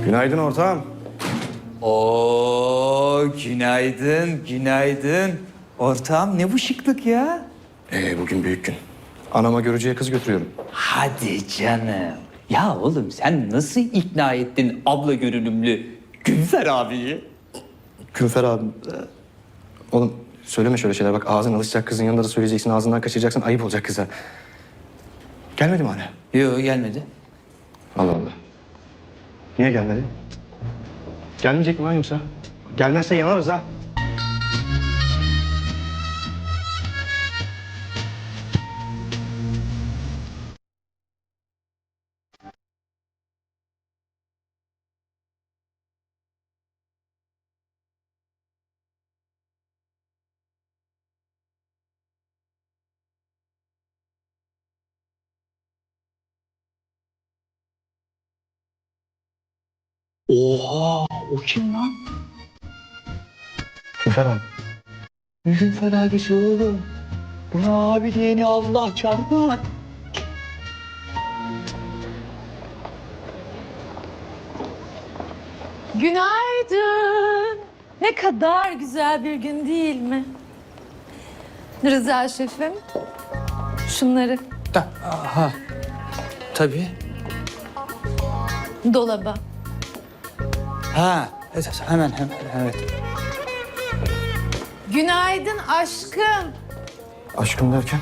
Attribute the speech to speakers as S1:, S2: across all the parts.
S1: Günaydın ortağım.
S2: Oo, günaydın, günaydın. Ortağım ne bu şıklık ya?
S1: Bugün büyük gün. Anama görücüye kız götürüyorum.
S2: Hadi canım. Ya oğlum sen nasıl ikna ettin abla görünümlü Günfer abiyi?
S1: Künfer abim. Oğlum söyleme şöyle şeyler. Bak ağzın alışacak, kızın yanında da söyleyeceksin. Ağzından kaçıracaksın. Ayıp olacak kıza. Gelmedi mi hala?
S2: Yok gelmedi.
S1: Allah Allah. Niye gelmedi? Gelmeyecek mi lan yoksa? Gelmezse yanarız ha.
S2: Oha, o kim lan?
S1: Künfer abi.
S2: Günfer abisi oğlum. Buna abi diyeni Allah çarpar.
S3: Günaydın. Ne kadar güzel bir gün değil mi? Rıza şefim, şunları
S2: Aha, tabii.
S3: dolaba.
S2: Ha, hemen, evet.
S3: Günaydın aşkım.
S1: Aşkım derken?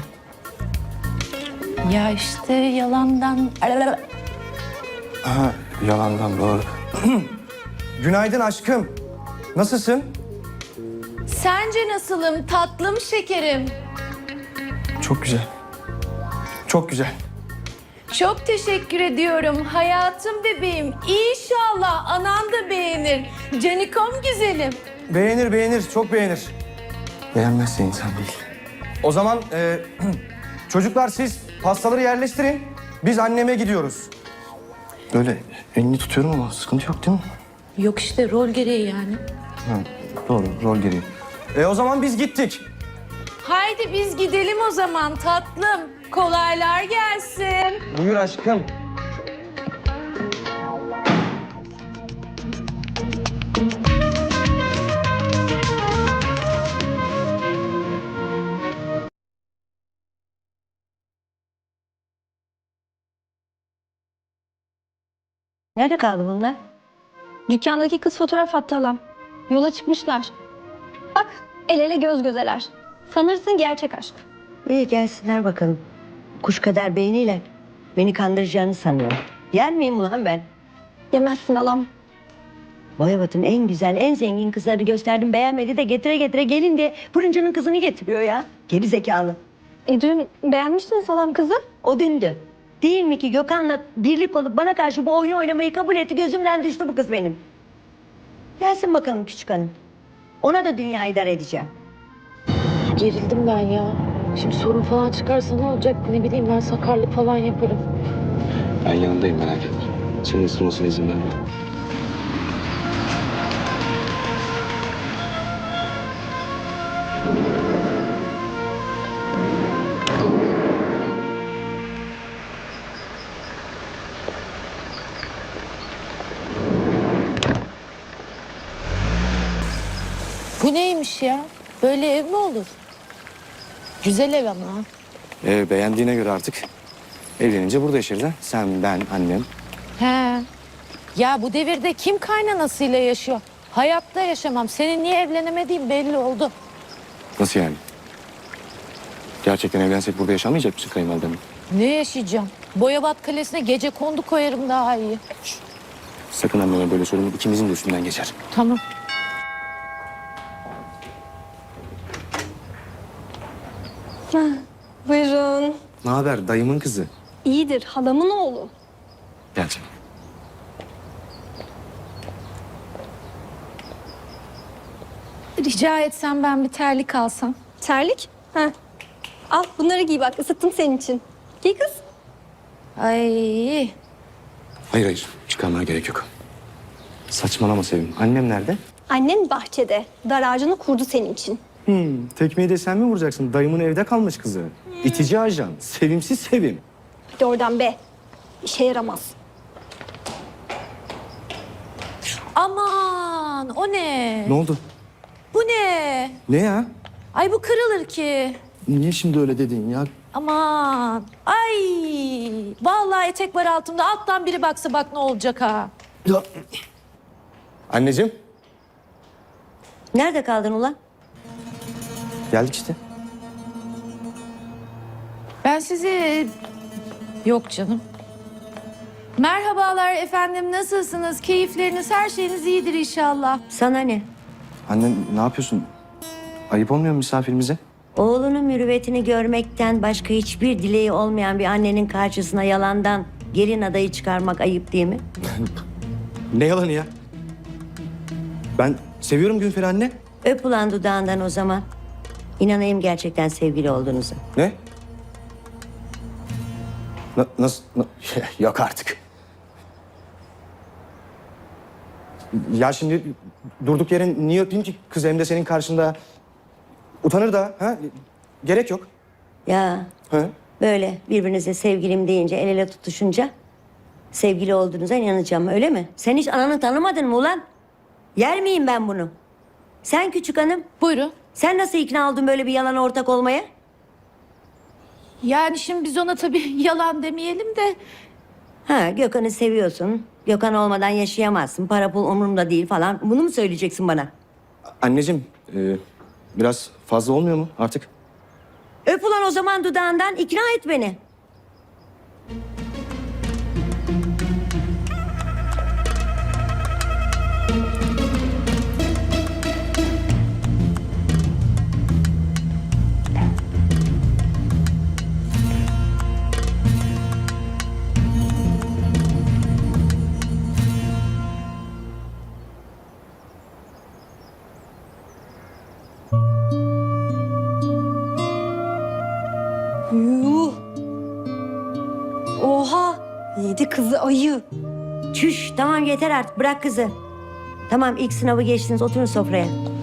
S3: Ya işte yalandan...
S1: Ha, yalandan doğru. Günaydın aşkım. Nasılsın?
S3: Sence nasılım tatlım şekerim?
S1: Çok güzel. Çok güzel.
S3: Çok teşekkür ediyorum hayatım bebeğim. İnşallah anan da beğenir. Canikom güzelim.
S1: Beğenir, beğenir. Çok beğenir. Beğenmezse insan değil. O zaman çocuklar siz pastaları yerleştirin. Biz anneme gidiyoruz. Böyle elini tutuyorum ama sıkıntı yok değil mi?
S3: Yok işte rol gereği yani.
S1: Ha, doğru, rol gereği. O zaman biz gittik.
S3: Haydi biz gidelim o zaman tatlım. Kolaylar gelsin.
S1: Buyur aşkım.
S4: Nerede kaldı bunlar?
S5: Dükkandaki kız fotoğraf attı halam. Yola çıkmışlar. Bak el ele göz gözeler. Sanırsın gerçek aşk.
S4: İyi gelsinler bakalım. Kuş kadar beyniyle beni kandıracağını sanıyorum. Yer miyim ulan ben?
S5: Yemezsin halam.
S4: Boyabat'ın en güzel, en zengin kızları gösterdim. Beğenmedi de getire getire gelin diye fırıncının kızını getiriyor ya. Geri zekalı.
S5: Dün beğenmiştiniz halam kızı.
S4: O dündü. Değil mi ki Gökhan'la birlik olup bana karşı bu oyunu oynamayı kabul etti. Gözümden düştü bu kız benim. Gelsin bakalım küçük hanım. Ona da dünya idare edeceğim.
S6: Gerildim ben ya. Şimdi sorun falan çıkarsa ne olacak? Ne bileyim ben sakarlık falan yaparım.
S7: Ben yanındayım, merak etme. Senin ısırmasına izin verme.
S6: Bu neymiş ya? Böyle ev mi olur? Güzel ev ama.
S1: Beğendiğine göre artık evlenince burada yaşarız ha. Sen, ben, annem.
S6: He. Ya bu devirde kim kaynanasıyla yaşıyor? Hayatta yaşamam. Senin niye evlenemediğin belli oldu.
S1: Nasıl yani? Gerçekten evlensek burada yaşamayacak mısın kayınvalidemle?
S6: Ne yaşayacağım? Boyabat Kalesi'ne gece kondu koyarım daha iyi.
S1: Sakın anneme böyle söyleme. İkimizin de üstünden geçer.
S6: Tamam.
S5: Buyurun.
S1: Ne haber? Dayımın kızı.
S5: İyidir halamın oğlu.
S1: Gel canım.
S3: Rica etsem ben bir terlik alsam.
S5: Terlik. Heh. Al bunları giy bak ısıttım senin için. Giy kız.
S6: Ay.
S1: Hayır hayır. Çıkarmana gerek yok. Saçmalama Sevim. Annem nerede?
S5: Annen bahçede. Dar ağacını kurdu senin için.
S1: Tekmeyi de sen mi vuracaksın? Dayımın evde kalmış kızı. İtici ajan. Sevimsiz Sevim.
S5: Hadi oradan be. İşe yaramaz.
S6: Aman o ne?
S1: Ne oldu?
S6: Bu ne?
S1: Ne ya?
S6: Ay bu kırılır ki.
S1: Niye şimdi öyle dedin ya?
S6: Aman. Ay. Vallahi etek var altımda. Alttan biri baksa bak ne olacak ha.
S1: Ya. Anneciğim.
S4: Nerede kaldın ulan?
S1: Geldik işte.
S6: Ben sizi... Yok canım. Merhabalar efendim. Nasılsınız? Keyifleriniz, her şeyiniz iyidir inşallah.
S4: Sana ne?
S1: Anne ne yapıyorsun? Ayıp olmuyor mu misafirimize?
S4: Oğlunun mürüvvetini görmekten başka hiçbir dileği olmayan bir annenin karşısına yalandan gelin adayı çıkarmak ayıp değil mi?
S1: Ne yalanı ya? Ben seviyorum Günfer'i anne.
S4: Öp ulan dudağından o zaman. İnanayım gerçekten sevgili olduğunuza.
S1: Ne? Nasıl? Yok artık. Ya şimdi durduk yere niye öpeyim ki kız hem de senin karşında? Utanır da ha? Gerek yok.
S4: Ya
S1: Ha?
S4: böyle birbirinize sevgilim deyince el ele tutuşunca sevgili olduğunuza inanacağım öyle mi? Sen hiç ananı tanımadın mı ulan? Yer miyim ben bunu? Sen küçük hanım,
S6: Buyurun.
S4: sen nasıl ikna oldun böyle bir yalana ortak olmaya?
S6: Yani şimdi biz ona tabii yalan demeyelim de...
S4: Ha, Gökhan'ı seviyorsun. Gökhan olmadan yaşayamazsın. Para pul umurumda değil falan. Bunu mu söyleyeceksin bana?
S1: Anneciğim biraz fazla olmuyor mu artık?
S4: Öp ulan o zaman dudağından ikna et beni.
S5: Yuh. Oha. Yedi kızı ayı.
S4: Çüş tamam yeter artık bırak kızı. Tamam ilk sınavı geçtiniz oturun sofraya.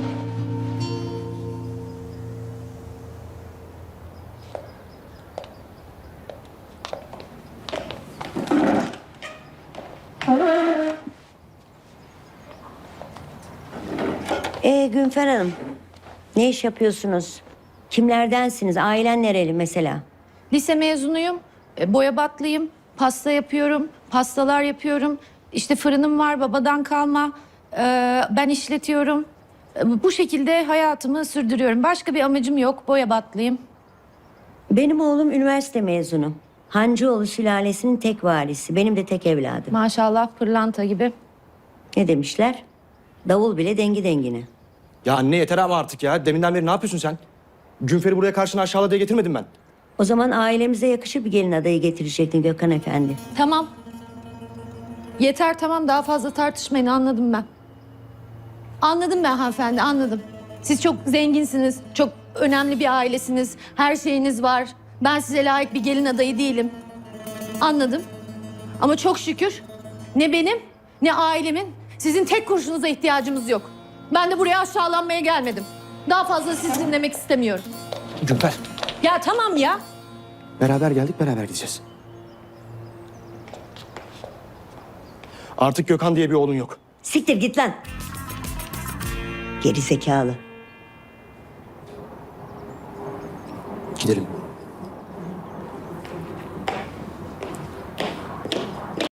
S4: Günfer Hanım, ne iş yapıyorsunuz? Kimlerdensiniz? Ailen nereli mesela?
S6: Lise mezunuyum, boyabatlıyım, pasta yapıyorum, pastalar yapıyorum. İşte fırınım var babadan kalma, ben işletiyorum. Bu şekilde hayatımı sürdürüyorum. Başka bir amacım yok, boyabatlıyım.
S4: Benim oğlum üniversite mezunu. Hancıoğlu sülalesinin tek varisi. Benim de tek evladım.
S6: Maşallah pırlanta gibi.
S4: Ne demişler? Davul bile dengi dengine.
S1: Ya anne yeter ama artık ya. Deminden beri ne yapıyorsun sen? Günfer'i buraya karşına aşağıla diye getirmedim ben.
S4: O zaman ailemize yakışır bir gelin adayı getirecektin Gökhan Efendi.
S6: Tamam. Yeter tamam daha fazla tartışmayın anladım ben. Anladım ben hanımefendi anladım. Siz çok zenginsiniz, çok önemli bir ailesiniz, her şeyiniz var. Ben size layık bir gelin adayı değilim. Anladım. Ama çok şükür ne benim ne ailemin sizin tek kurşunuza ihtiyacımız yok. Ben de buraya aşağılanmaya gelmedim. Daha fazla sizi dinlemek istemiyorum.
S1: Günfer.
S6: Ya tamam ya.
S1: Beraber geldik, beraber gideceğiz. Artık Gökhan diye bir oğlun yok.
S4: Siktir git lan. Geri zekalı.
S1: Gidelim.